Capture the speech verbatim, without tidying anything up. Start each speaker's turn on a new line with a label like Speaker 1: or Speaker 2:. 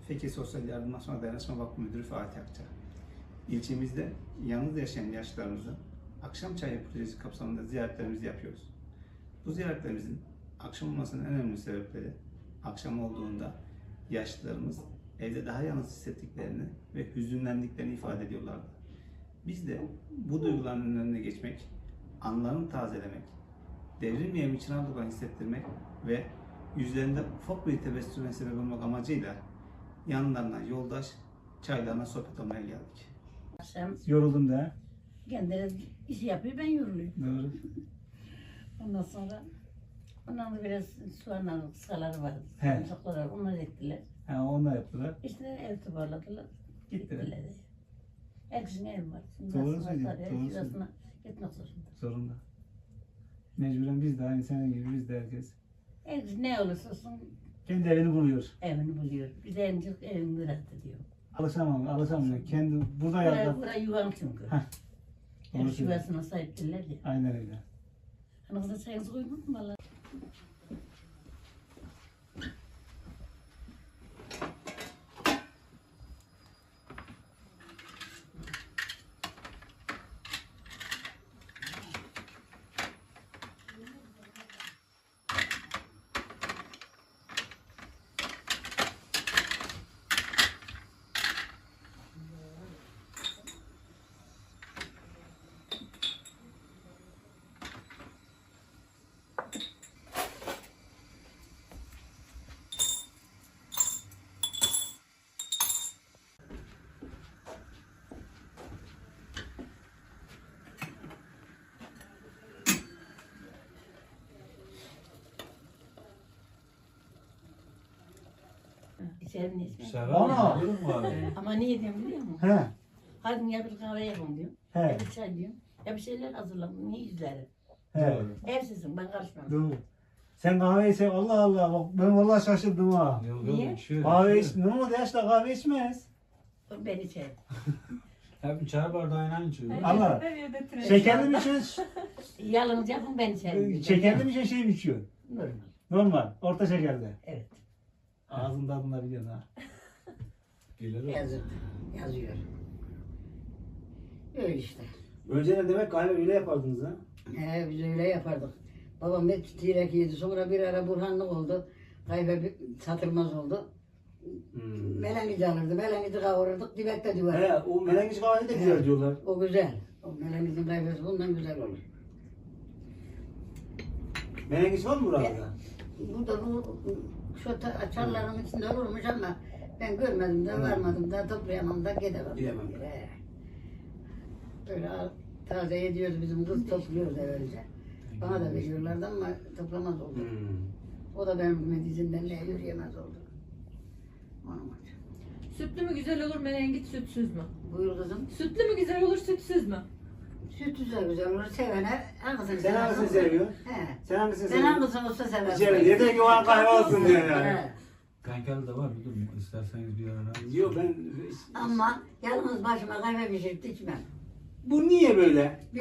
Speaker 1: Fekir Sosyal Yardımlaşma Dayanışma Vakfı Müdürü Fatih Akça. İlçemizde yalnız yaşayan yaşlılarımızı akşam çayı projesi kapsamında ziyaretlerimizi yapıyoruz. Bu ziyaretlerimizin akşam olmasının en önemli sebepleri, akşam olduğunda yaşlılarımız evde daha yalnız hissettiklerini ve hüzünlendiklerini ifade ediyorlardı. Biz de bu duyguların önüne geçmek, anılarını tazelemek, devrilmeyen bir çınar duygularını hissettirmek ve yüzlerinde ufak bir tebessüme sebep olmak amacıyla yanlarına yoldaş, çaylarına sohbet olmaya geldik.
Speaker 2: Akşam
Speaker 3: Yoruldum da.
Speaker 2: kendileri iş yapıyor, ben yoruluyorum.
Speaker 3: Doğru.
Speaker 2: Ondan sonra ondan da biraz soğanlar, kıskaları vardı.
Speaker 3: He.
Speaker 2: Sarımsaklar var, onları ektiler.
Speaker 3: Ha, onlar yaptılar.
Speaker 2: İşte ev toparladılar.
Speaker 3: Gittiler.
Speaker 2: Gittiler. Herkesin evi var. Şimdi
Speaker 3: Doğru
Speaker 2: aslında
Speaker 3: söylüyor,
Speaker 2: tabii
Speaker 3: doğru
Speaker 2: şurasına gitmek zorunda.
Speaker 3: Zorunda. Mecburen biz de aynı senin gibi biz de herkes.
Speaker 2: Herkes ne olursa olsun
Speaker 3: Kendi evini buluyor.
Speaker 2: evini buluyor. Bir de en çok evini rahat ediyor.
Speaker 3: Alışamam, alışamıyor. Kendi burada
Speaker 2: Buraya,
Speaker 3: yaptı.
Speaker 2: buraya yuvam çünkü.
Speaker 3: Heh.
Speaker 2: Her
Speaker 3: Doğru söylüyor.
Speaker 2: yuvasına sahiptirler ya.
Speaker 3: Aynen öyle.
Speaker 2: Hani kızın çayınızı koymadın mı valla? İçerim ne içmem.
Speaker 3: Ana!
Speaker 2: Ama niye diyorum biliyor musun?
Speaker 3: He.
Speaker 2: Hadi ya bir kahve yapın diyorum.
Speaker 3: He.
Speaker 2: Ya bir çay diyorum. Ya bir şeyler hazırlayın. Niye yüzleri?
Speaker 3: He.
Speaker 2: Evsizim, ben karışmam.
Speaker 3: Doğru. Sen kahve içsen Allah Allah bak ben vallahi şaşırdım ha.
Speaker 2: Niye?
Speaker 3: Kahve iç, ne oldu yaşlı kahve içmez.
Speaker 2: Ben içerim.
Speaker 4: Hep çay bardağıyla içiyor.
Speaker 3: Allah. Şekerli mi içiyorsun?
Speaker 2: Yalnız yapın ben içerim.
Speaker 3: Şekerli mi içiyorsun, şey mi içiyorsun?
Speaker 2: Normal.
Speaker 3: Normal, orta şekerli.
Speaker 2: Evet.
Speaker 3: Ağzın tadında biliyorsun ha.
Speaker 4: Gelir o.
Speaker 2: Yazıyor. Yazıyor. Öyle işte.
Speaker 3: Önceden demek kahve öyle yapardınız ha?
Speaker 2: He, biz öyle yapardık. Babam hep tirek yedi. Sonra bir ara burhanlık oldu. Kahve bir satılmaz oldu.
Speaker 3: Hmm.
Speaker 2: Melengici alırdı. Melengici kavururduk. Dibette duvar.
Speaker 3: He, o menengiç kahve de güzel diyorlar.
Speaker 2: O güzel. O melengicin kahvesi bundan güzel olur.
Speaker 3: Menengiç var mı burada?
Speaker 2: Burada bu şu ta- çarların içinde olurmuş ama ben görmedim de varmadım da toplayamam da gidemem.
Speaker 3: Gidemem.
Speaker 2: He. Böyle al- taze ediyoruz bizim kız topluyoruz evvelce. Bana da veriyorlardı ama toplamaz oldu.
Speaker 3: Hmm.
Speaker 2: O da benim dizinden ne yürüyemez oldu. Onun için.
Speaker 5: Sütlü mü güzel olur, menengiç sütsüz mü?
Speaker 2: Buyur kızım.
Speaker 5: Sütlü mü güzel olur, sütsüz mü?
Speaker 2: Süt güzel güzel olur. Sevene hangisini
Speaker 3: Sen hangisini seviyorsun?
Speaker 2: He.
Speaker 3: Sen hangisini
Speaker 2: Sen
Speaker 3: seviyorsun?
Speaker 2: hangisini olsa seversin.
Speaker 3: İçeri yeter ki o an kahve olsun diyor yani.
Speaker 2: He.
Speaker 4: Kankalı da var müdürüm. İsterseniz bir ara.
Speaker 3: Yok ben...
Speaker 2: Ama yalnız başıma kahve pişirip içmem.
Speaker 3: Bu niye böyle?